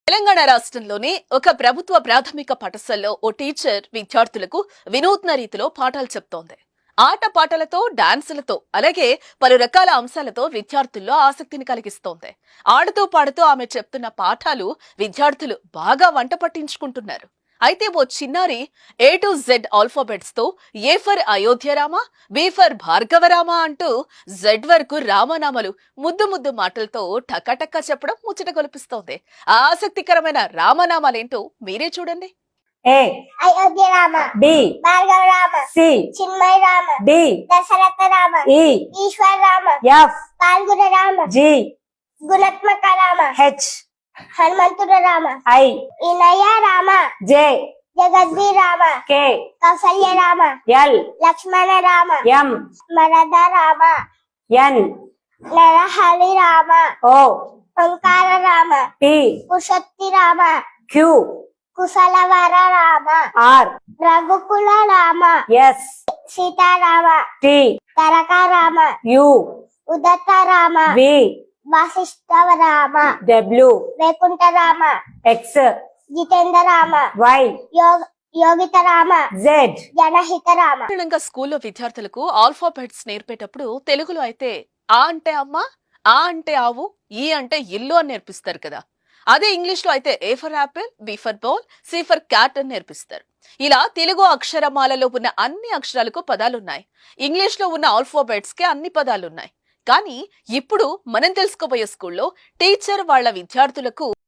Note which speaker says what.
Speaker 1: తెలంగాణ రాష్ట్రంలోని ఒక ప్రభుత్వ ప్రాథమిక పాఠశాలలో ఓ టీచర్ విద్యార్థులకు వినూత్న రీతిలో పాఠాలు చెప్తోంది. ఆటపాటలతో, డాన్సులతో, అలాగే పలు రకాల అంశాలతో విద్యార్థుల్లో ఆసక్తిని కలిగిస్తోంది. ఆడుతూ పాడుతూ ఆమె చెప్తున్న పాఠాలు విద్యార్థులు బాగా వంట పట్టించుకుంటున్నారు. అయితే ఓ చిన్నారి A to Z ఆల్ఫాబెట్స్ తో A for Ayodhyarama, B for Bhargavarama అంటూ జెడ్ వరకు రామనామలు ముద్దు ముద్దు మాటలతో టకటక్క చెప్పడం ముచ్చట గొలిపిస్తోంది. ఆ ఆసక్తికరమైన రామనామాలేంటో మీరే చూడండి.
Speaker 2: A
Speaker 3: Ayodhya Rama,
Speaker 2: B
Speaker 3: Bhargava Rama,
Speaker 2: C
Speaker 3: Chinmaya Rama,
Speaker 2: D
Speaker 3: Dasharatha Rama,
Speaker 2: E
Speaker 3: Eshwara Rama,
Speaker 2: F
Speaker 3: Phalguna Rama,
Speaker 2: G
Speaker 3: గుణాత్మక Rama,
Speaker 2: H
Speaker 3: హనుమంతుడ Rama,
Speaker 2: I
Speaker 3: Inaya Rama,
Speaker 2: J
Speaker 3: జగద్వి Rama,
Speaker 2: K
Speaker 3: Kaushalya Rama,
Speaker 2: L
Speaker 3: Lakshmana Rama,
Speaker 2: M
Speaker 3: మరద Rama,
Speaker 2: N
Speaker 3: Narahari Rama,
Speaker 2: O
Speaker 3: Omkara Rama,
Speaker 2: P
Speaker 3: కుశక్తి Rama,
Speaker 2: Q
Speaker 3: కుశలవర Rama,
Speaker 2: R
Speaker 3: రఘుకుల Rama,
Speaker 2: S
Speaker 3: Sitarama,
Speaker 2: T
Speaker 3: తరక Rama,
Speaker 2: U
Speaker 3: ఉదత్త Rama,
Speaker 2: V
Speaker 3: Vashishtha Rama,
Speaker 2: W
Speaker 3: Vaikuntha Rama,
Speaker 2: X
Speaker 3: Jitendra Rama,
Speaker 2: Y
Speaker 3: Yogita Rama,
Speaker 2: Z
Speaker 3: జనహిత Rama.
Speaker 1: సాధారణంగా స్కూల్లో విద్యార్థులకు ఆల్ఫాబెట్స్ నేర్పేటప్పుడు తెలుగులో అయితే ఆ అంటే అమ్మ, ఆ అంటే ఆవు, ఈ అంటే ఇల్లు అని నేర్పిస్తారు కదా. అదే ఇంగ్లీష్ లో అయితే A for apple, B for ball, C for cat అని నేర్పిస్తారు. ఇలా తెలుగు అక్షరమాలలో ఉన్న అన్ని అక్షరాలకు పదాలున్నాయి. ఇంగ్లీష్ లో ఉన్న ఆల్ఫాబెట్స్ కి అన్ని పదాలున్నాయి. కానీ ఇప్పుడు మనం తెలుసుకోబోయే స్కూల్లో టీచర్ వాళ్ళ విద్యార్థులకు